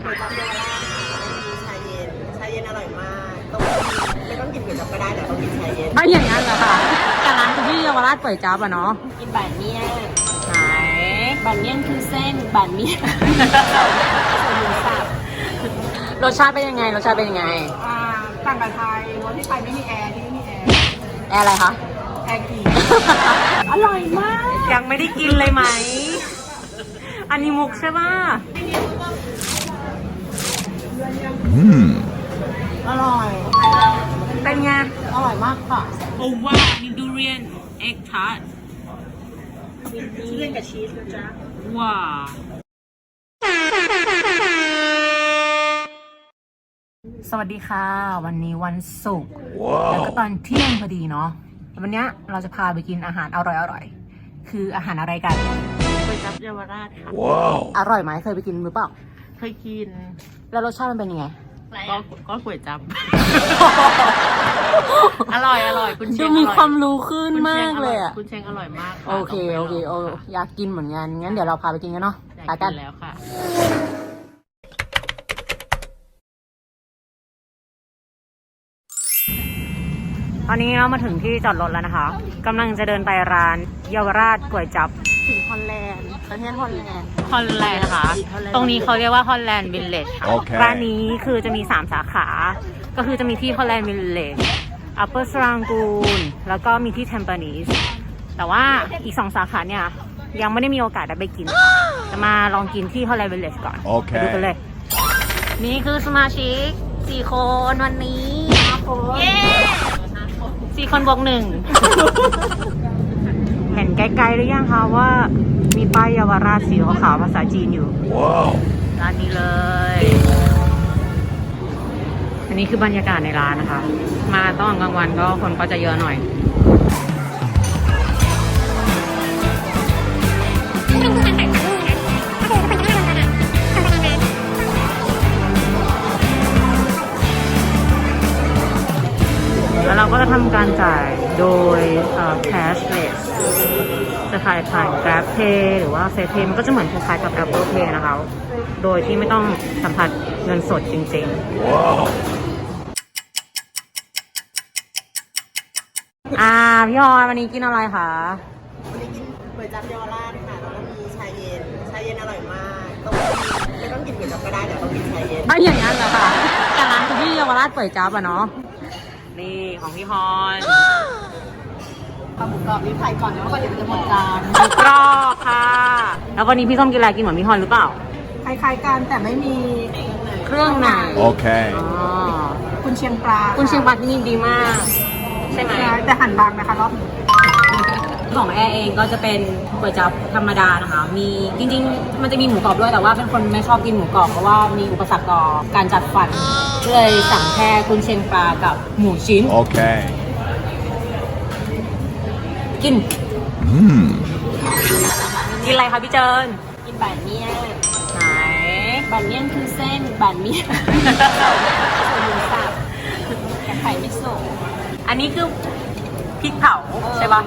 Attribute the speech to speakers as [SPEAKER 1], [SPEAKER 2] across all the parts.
[SPEAKER 1] ก๋วยจั๊บเยาวราชมีชาเย็นอร่อยมากต้องไม่ต้องกินก๋วยจั๊บก็ได้แต่ต้องกินชาเย็น
[SPEAKER 2] ไม่อย่างนั้นเหรอคะแต่ร้านคุณพี่เยาวราชก๋วยจั๊บอะเนาะ
[SPEAKER 1] กินบานเมี่ยง
[SPEAKER 2] ไหน
[SPEAKER 1] บานเมี่ยงคือเส้นบานเมี่ยงหมูสับ
[SPEAKER 2] รสชาติเป็นยังไง
[SPEAKER 1] ต่างกับไทยรถที่ไทยไม่มีแอร์ที่นี่มีแอร์
[SPEAKER 2] อะไรคะ
[SPEAKER 1] แอร์กี่อร่อยมาก
[SPEAKER 2] ยังไม่ได้กินเลยไหมอันนี้มุกใช่ป่ะ
[SPEAKER 1] อร่อย
[SPEAKER 2] เป็นไง
[SPEAKER 1] อร่อยมากค่ะ
[SPEAKER 2] โอ้ว้านี่ดูเรียนเอ็กทาร์ต
[SPEAKER 1] ทุเรียนกับชีสนะจ๊ะ
[SPEAKER 2] ว้าสวัสดีค่ะวันนี้วันศุกร์แล้วก็ตอนเที่ยงพอดีเนาะวันนี้เราจะพาไปกินอาหารอร่อยคืออาหารอะไรกัน
[SPEAKER 1] ก๋วยจั๊บเยาวราชค่ะ
[SPEAKER 2] อร่อยไหมเคยไปกินหรือเปล่า
[SPEAKER 1] เคยกิน
[SPEAKER 2] แล้วรสชาติมันเป็นยังไง
[SPEAKER 1] ก็ก๋วยจั๊บอร่อยคุณเชง
[SPEAKER 2] มีความรู้ขึ้นมากเลยอ่ะ
[SPEAKER 1] คุณเชงอร่อยมาก
[SPEAKER 2] โอเคอยากกินเหมือนกันงั้นเดี๋ยวเราพาไปกินกันเนาะไปกัน
[SPEAKER 1] แล้วค่ะ
[SPEAKER 2] ตอนนี้เรามาถึงที่จอดรถแล้วนะคะกำลังจะเดินไปร้านเยาวราชก๋วยจั๊บ
[SPEAKER 1] ถึงฮอลแลนด์ประเทศฮอลแลนด์
[SPEAKER 2] นะคะตรงนี้เขาเรียกว่าฮอลแลนด์วิลเลจร้านนี้คือจะมี3สาขาก็คือจะมีที่ฮอลแลนด์วิลเลจอัปเปอร์สรังกูนแล้วก็มีที่เทมเปอร์นิสแต่ว่าอีก2สาขาเนี่ยยังไม่ได้มีโอกาสได้ไปกินจะมาลองกินที่ฮอลแลนด์วิลเลจก่อนไปดูกันเลยนี่คือสมาชิก4 คนวันนี้เย้4 คนบวก 1เห็นไกลๆหรือยังคะว่ามีป้ายเยาวราชสีขาวๆภาษาจีนอยู่ร้านนี้เลยอันนี้คือบรรยากาศในร้านนะคะมาตอนกลางวันก็คนก็จะเยอะหน่อยแล้วเราก็จะทำการจ่ายโดยcashless จะขายผ่าน Grab Pay หรือว่า FacePay มันก็จะเหมือนคล้ายๆกับ Apple Pay นะคะโดยที่ไม่ต้องสัมผัสเงินสดจริงๆพี่ฮอนวันนี้กินอะไรคะ
[SPEAKER 1] วันนี้กินก๋วยจั๊บเยาวราชค่ะแล้วก็มีชาเย็นอร่อยมากไม่ต้องกินก๋วยจั๊บก็ได้แต่ต้องกินชาเย็น
[SPEAKER 2] ไม่อย่างนั้นเหรอคะแต่ร้านคุณพี่เยาวราชก๋วยจั๊บอะเนาะนี่ของพี่ฮอน
[SPEAKER 1] ปลาหมูกรอบนี่ไข่ก่อนนะว่าเดี๋ยวจะหมดจาน
[SPEAKER 2] หมูกรอบค่ะแล้ววันนี้พี่ส้มกินอะไรกินเหมือนพี่ฮอนหรือเปล่า
[SPEAKER 1] คล้ายๆกันแต่ไม่มี
[SPEAKER 2] เครื่องใน
[SPEAKER 3] โอเค
[SPEAKER 1] คุณเชียงปลา
[SPEAKER 2] ที่นี่ดีมากใช่ไหม
[SPEAKER 1] แต่หั่นบางนะคะรอบ
[SPEAKER 2] ของแอร์เองก็จะเป็นก๋วยจั๊บธรรมดานะคะมีจริงๆมันจะมีหมูกรอบด้วยแต่ว่าเป็นคนไม่ชอบกินหมูกรอบเพราะว่ามีอุปสรรคต่อการจัดฟันเลยสั่งแค่กุนเชียงปลากับหมูชิ้น
[SPEAKER 3] โอเค
[SPEAKER 2] กินอะไรคะพี่เจิน
[SPEAKER 1] กินบานเมี่ยง
[SPEAKER 2] ไหน
[SPEAKER 1] บานเมี่ยงคือเส้นบานเมี่ยงหมูสับกับไข่มิโซะ
[SPEAKER 2] อันนี้คือพริกเผาใช่ปะ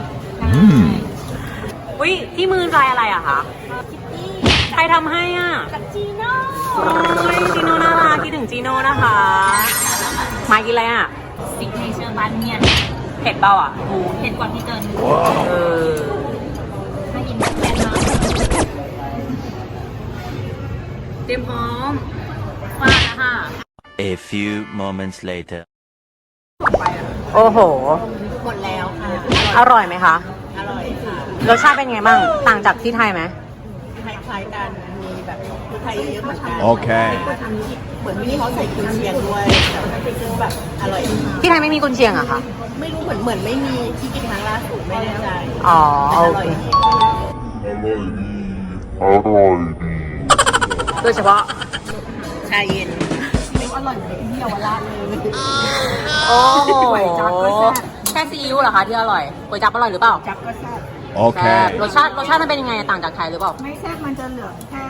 [SPEAKER 2] อุ้ยที่มือลายอะไรอะคะใครทำให้อ่ะ
[SPEAKER 1] จีโน่
[SPEAKER 2] จีโน่น่ารักคิดถึงจีโน่นะคะมากินอะไรอ่ะ
[SPEAKER 1] ซิกเนเจอร์บานเมี่ยง
[SPEAKER 2] เผ็ดเปล่าอ่ะ
[SPEAKER 1] เผ็ดกว่าที่เกินไม่กินแค่น้อย
[SPEAKER 2] เตรียมพร้อมมาแล้วค่ะ
[SPEAKER 3] A few moments later
[SPEAKER 2] โอ้โห
[SPEAKER 1] หมดแล้วค่ะ
[SPEAKER 2] อร่อยไหมคะ
[SPEAKER 1] อร่อยค่ะ
[SPEAKER 2] รสชาติเป็นไงบ้างต่างจากที่ไทยไหม
[SPEAKER 1] คล้ายๆกันมีแบบที่ไทยเยอะเหมือนกัน
[SPEAKER 3] โอเค
[SPEAKER 1] เหมือนที่เขาใส่กุนเชียงด้วยแต่คือแบบอร่อย
[SPEAKER 2] ที่ไทยไม่มีกุนเชียงอะคะ
[SPEAKER 1] ไม่รู้เหมือนไม่มีที่กินครั้งล่าสุดไม่แน่ใจ
[SPEAKER 2] อ๋อ
[SPEAKER 1] อร่อยดี
[SPEAKER 2] โดยเฉพาะ
[SPEAKER 1] ชาเย็นอร่อยเหมือนที่เยาวราชเลย
[SPEAKER 2] โอ้โหแค่ซีอิ๊วเหรอคะที่อร่อยก๋วยจั๊บอร่อยหรือเปล่า
[SPEAKER 1] จั๊บก็แซ่บ
[SPEAKER 3] โอเค
[SPEAKER 2] รสชาติมันเป็นยังไงต่างจากไทยหรือเปล่า
[SPEAKER 1] ไม่แซ่บมันจะเหลือแค่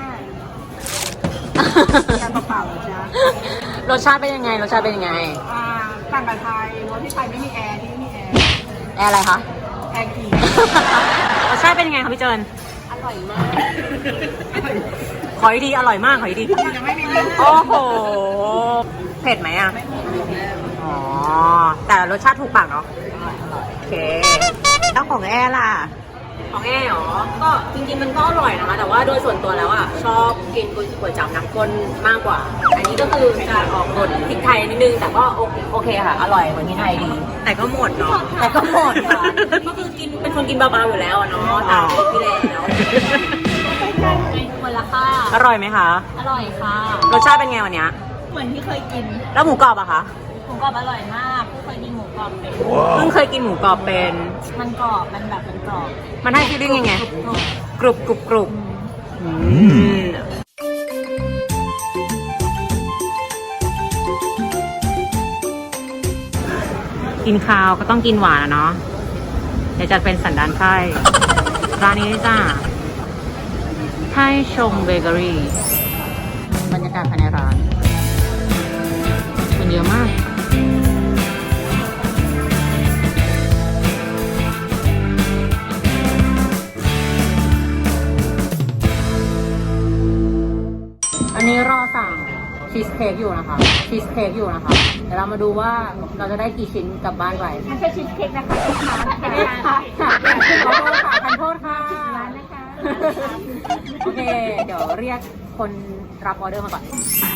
[SPEAKER 1] เปล่าๆจ้ะ
[SPEAKER 2] รสชาติเป็นยังไง
[SPEAKER 1] ต่างกับไทยรถที่ไทยไม่มีแอร์ที่นี่มี
[SPEAKER 2] แอร์อะไรคะ
[SPEAKER 1] แอร์กี่
[SPEAKER 2] รสชาติเป็นยังไงคะพี่เจิน
[SPEAKER 1] อร่อยมาก
[SPEAKER 2] ขออีกทีอร่อยมากขออีกที
[SPEAKER 1] ยังไม่มีเรื่อง
[SPEAKER 2] โอ้โห เผ็ดไหมอ่ะ อ๋อ แต่รสชาติถูกปากเนาะ โอเคแล้วของแอร์ล่ะ ของแอร์เหรอ ก็จริงๆมันก็อร่อยนะคะ แต่ว่าโดยส่วนตัวแล้วอ่ะชอบกินก๋วยจั๊บน้ำข้นมากกว่า อันนี้ก็คือจะออกรสพริกไทยนิดนึง แต่ก็โอเคค่ะ อร่อยเหมือนที่ไทยดี แต่ก็หมดเนาะ แต่ก็หมดค่ะ ก็คือกินเป็นคนกินเบาๆอยู่แล้วอะเนาะตามที่แล้ว
[SPEAKER 4] หมดละค่ะ
[SPEAKER 2] อร่อยไหมคะ
[SPEAKER 4] อร่อยค่ะ
[SPEAKER 2] รสชาติเป็นไงวันเนี้ย
[SPEAKER 4] เหมือนที่เคยกิน
[SPEAKER 2] แล้วหมูกรอบอะคะ
[SPEAKER 4] หมูกรอบอร่อยมากเพิ่งเคยกินหมูกรอบเป็น
[SPEAKER 2] เพิ่งเคยกินหมูกรอบเป็น
[SPEAKER 4] มันกรอบ มันแบบมันกรอบ
[SPEAKER 2] มันให้ฟีลลิ่งยังไง กรุบกรุบกรุบกินข้าวก็ต้องกินหวานอะเนาะ เดี๋ยวจะเป็นสันดานไส้ร้านนี้จ้าไทยชงเบเกอรี่บรรยากาศภายในร้านคนเยอะมาก อันนี้รอสั่งชีสเค้กอยู่นะคะ ชีสเค้กอยู่นะคะ เดี๋ยวเรามาดูว่าเราจะได้กี่ชิ้นกลับบ้านไป
[SPEAKER 4] ไม่ใช่ชีสเค้กนะคะลูกค้า
[SPEAKER 2] ขอโทษค่ะทันโทษค่ะ
[SPEAKER 4] ร้านนะคะ
[SPEAKER 2] โอเค เดี๋ยวเรียกคนรับออเดอร์มาก่อน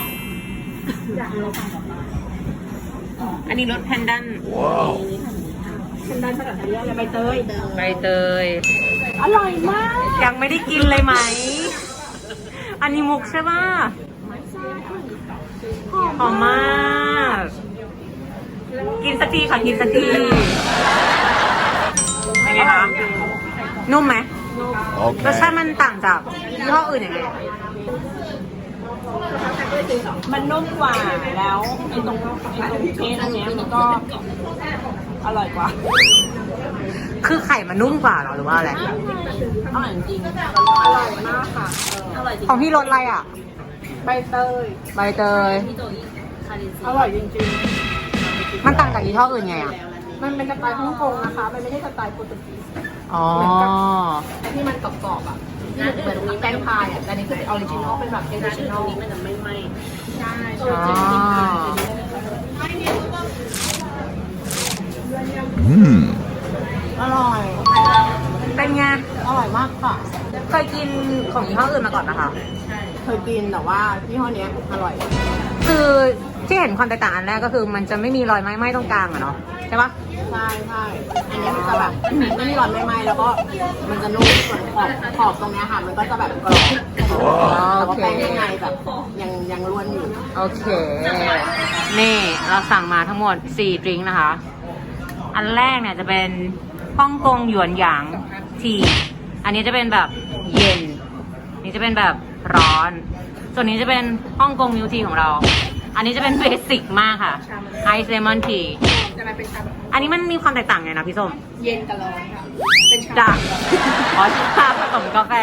[SPEAKER 2] อันนี้รสแพนดัน
[SPEAKER 1] ฉันได้ภาษาไทยอะไรใบเตย
[SPEAKER 2] ใบเตย
[SPEAKER 4] อร่อยมาก
[SPEAKER 2] ยังไม่ได้กินเลยไหม อันนี้มุกใช่ปะหอมมาก กินสักทีค่ะกินสักทีเป็นไงคะ นุ่มไหมรสชาติมันต่างจากยี่ห้ออื่นยังไง
[SPEAKER 4] มันนุ่มกว่าแล้วไอ้ตรงเค้กอันเนี้ยมันก็อร่อยกว่า
[SPEAKER 2] คือไข่มันนุ่มกว่าเหรอหรือว่าอะไร
[SPEAKER 4] อร่อยจริงอร่อยมากค่ะ อร่อยจริง
[SPEAKER 2] ของพี่รสอะไรอ่ะ
[SPEAKER 1] ใบเตย
[SPEAKER 2] ใบเตย
[SPEAKER 4] พี่โจอีคารินซี
[SPEAKER 1] อร่อยจริง
[SPEAKER 2] มันต่างจากยี่ห้ออื่นไงอ่ะ
[SPEAKER 1] ๆ มันเป็นสไตล์ฮ่องกงนะคะ มันไม่ใช่สไตล์โปรตุเกส
[SPEAKER 2] อ๋อ
[SPEAKER 1] ที่มันกรอบๆอ่ะเหมือนมีแป้งพายอ่ะ แต่นี่คือเป็นออริจินอล เป็นแบบเอเนชั่นอลนี้มันจะไม่ไหม้ใช่
[SPEAKER 2] อ๋อ
[SPEAKER 1] อร่อย
[SPEAKER 2] เป็นไง
[SPEAKER 1] อร่อยมากค่ะ
[SPEAKER 2] เคยกินของยี่ห้ออื่นมาก่อนนะคะ
[SPEAKER 1] เคยกินแต่ว่ายี่ห้อเนี้ยอร่อย
[SPEAKER 2] คือที่เห็นความแตกต่างอันแรกก็คือมันจะไม่มีรอยไหม้ตรงกลางอะเนาะใช่ปะ
[SPEAKER 1] ใช่ใช่อันเนี้ยมันจะแบบไม่มีร้อนไม่ไหม้แล้วก็มันจะนุ่มส่วนขอบตรงเนี้ยค่ะ มันก็จะแบบกรอบแต่ว่าแป้งข้างในแบบยังร่วนอยู่
[SPEAKER 2] โอเค นี่เราสั่งมาทั้งหมด4ดริงก์นะคะ อันแรกเนี่ยจะเป็นฮ่องกงหยวนหยางที อันนี้จะเป็นแบบเย็น นี่จะเป็นแบบร้อน ส่วนนี้จะเป็นฮ่องกงมิลทีของเรา อันนี้จะเป็นเบสิกมากค่ะไอซ์เลมอนที
[SPEAKER 1] จะมาเป็นชาแบบ
[SPEAKER 2] อันนี้มันมีความแตกต่างไงนะพี่ส้ม
[SPEAKER 1] เย็นกับร้อนค่ะ เป็นชา
[SPEAKER 2] จ้ะอ๋อชาผสมกาแฟ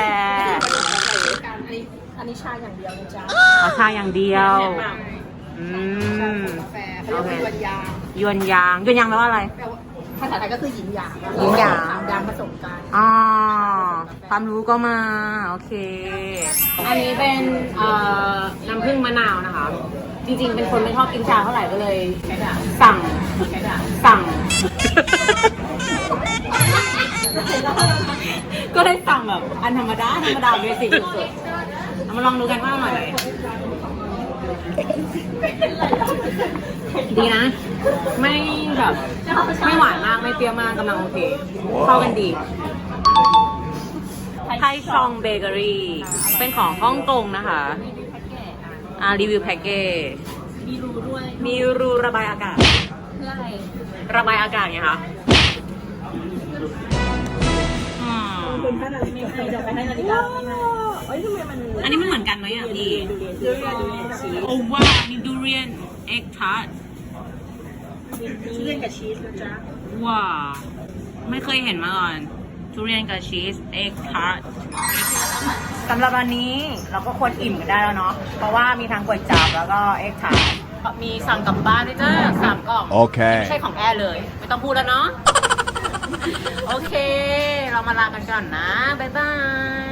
[SPEAKER 1] อันนี้ชาอย่างเดียวนะจ๊ะ
[SPEAKER 2] อ๋อชาอย่างเดียว อืม
[SPEAKER 1] กาแฟเขาเรียกว่าหยวนยาง
[SPEAKER 2] หยวนยางแปลว่าอะไร
[SPEAKER 1] แปลว่าภาษาไทยก็คือหยินหยาง
[SPEAKER 2] หยินหยาง
[SPEAKER 1] ยางผสมกัน
[SPEAKER 2] อ๋อความรู้ก็มา โอเค อันนี้เป็นน้ำผึ้งมะนาวนะคะ จริงๆ เป็นคนไม่ชอบกินชาเท่าไหร่ก็เลยสั่ง ก็เลยสั่งแบบอันธรรมดาเบสิกสุดๆเอามาลองดูกันว่าอร่อยไหมดีนะ ไม่แบบไม่หวานมากไม่เปรี้ยวมากกำลังโอเค เข้ากันดี ไทยชองเบเกอรี่เป็นของฮ่องกงนะคะรีวิวแพ็กเกจ
[SPEAKER 4] มีรูด้วย
[SPEAKER 2] มีรูระบายอากาศ
[SPEAKER 4] เพื่ออะไร
[SPEAKER 2] ระบายอากาศไงคะอืม
[SPEAKER 4] ไม่เคยจะไปให้นาฬิกาไม่ให้
[SPEAKER 2] อันนี้มันเหมือนกันไหมอ่ะพี่
[SPEAKER 4] ดูเรียนชีส
[SPEAKER 2] โอ้ว้านี่ดูเรียนเอ็กทาร์ต
[SPEAKER 4] เรียนกับชีสนะจ๊ะ
[SPEAKER 2] ว้าไม่เคยเห็นมาก่อนทุเรียนกับชีสเอ็กทาร์ตสำหรับวันนี้เราก็ควรอิ่มกันได้แล้วเนาะเพราะว่ามีทั้งก๋วยจั๊บแล้วก็เอ็กทาร์ตมีสั่งกลับบ้านด้วยจ้า3 กล่อง
[SPEAKER 3] โอเค
[SPEAKER 2] ไม่ใช่ของแอร์เลย ไม่ต้องพูดแล้วเนาะ โอเค เรามาลากันก่อนนะ บ๊ายบาย